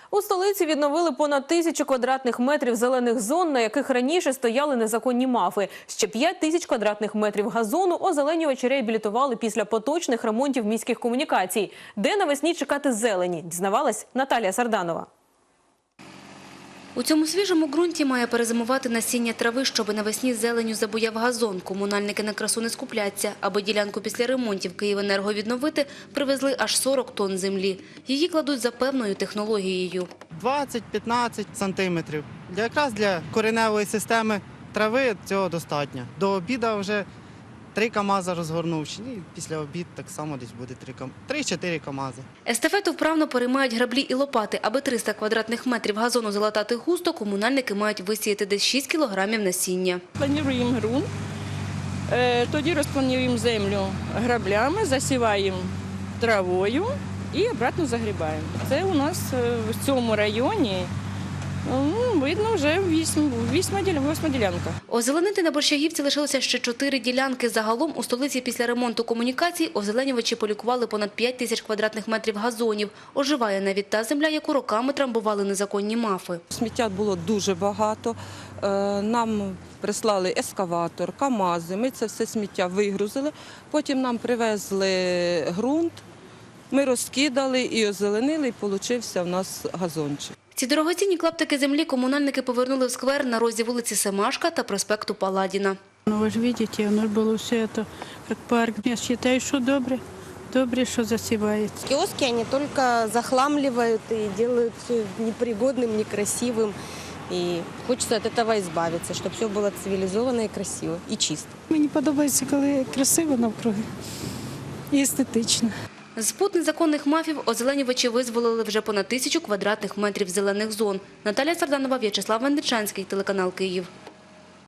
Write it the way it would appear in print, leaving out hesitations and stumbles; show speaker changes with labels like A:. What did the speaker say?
A: У столиці відновили понад 1000 квадратних метрів зелених зон, на яких раніше стояли незаконні мафи. Ще 5000 квадратних метрів газону озеленювачі реабілітували після поточних ремонтів міських комунікацій. Де навесні чекати зелені, дізнавалась Наталія Сарданова.
B: У цьому свіжому ґрунті має перезимувати насіння трави, щоб навесні зеленю забуяв газон. Комунальники на красу не скупляться. Аби ділянку після ремонтів «Київенерго» відновити, привезли аж 40 тонн землі. Її кладуть за певною технологією.
C: 20-15 сантиметрів. Якраз для кореневої системи трави цього достатньо. До обіду вже 3 КАМАЗи розгорнув. І після обіду так само десь буде 3-4 КАМАЗи.
B: Естафету вправно переймають граблі і лопати. Аби 300 квадратних метрів газону залатати густо, комунальники мають висіяти десь 6 кілограмів насіння.
D: Плануємо ґрунт, тоді розплануємо землю граблями, засіваємо травою і обратно загрібаємо. Це у нас в цьому районі, видно, вже 8 ділянка.
B: Озеленити на Борщагівці лишилося ще 4 ділянки. Загалом у столиці після ремонту комунікацій озеленювачі полікували понад 5000 квадратних метрів газонів. Оживає навіть та земля, яку роками трамбували незаконні мафи.
E: Сміття було дуже багато. Нам прислали ескаватор, КАМАЗи. Ми це все сміття вигрузили. Потім нам привезли ґрунт, ми розкидали і озеленили, і получився в нас газончик.
B: Ці дорогоцінні клаптики землі комунальники повернули в сквер на розі вулиці Семашка та проспекту Паладіна.
F: Ви ж бачите, воно було все це, як парк. Я вважаю, що добре. Добре, що засівається.
G: Киоски, они только захламливают и делают все непригодным, некрасивым. И хочется от этого избавиться, чтобы все было цивилизованно и красиво, и чисто.
F: Мені подобається, коли красиво навкруги і естетично.
B: З пут незаконних мафів озеленювачі визволили вже понад 1000 квадратних метрів зелених зон. Наталія Сарданова, В'ячеслав Венничанський, телеканал «Київ».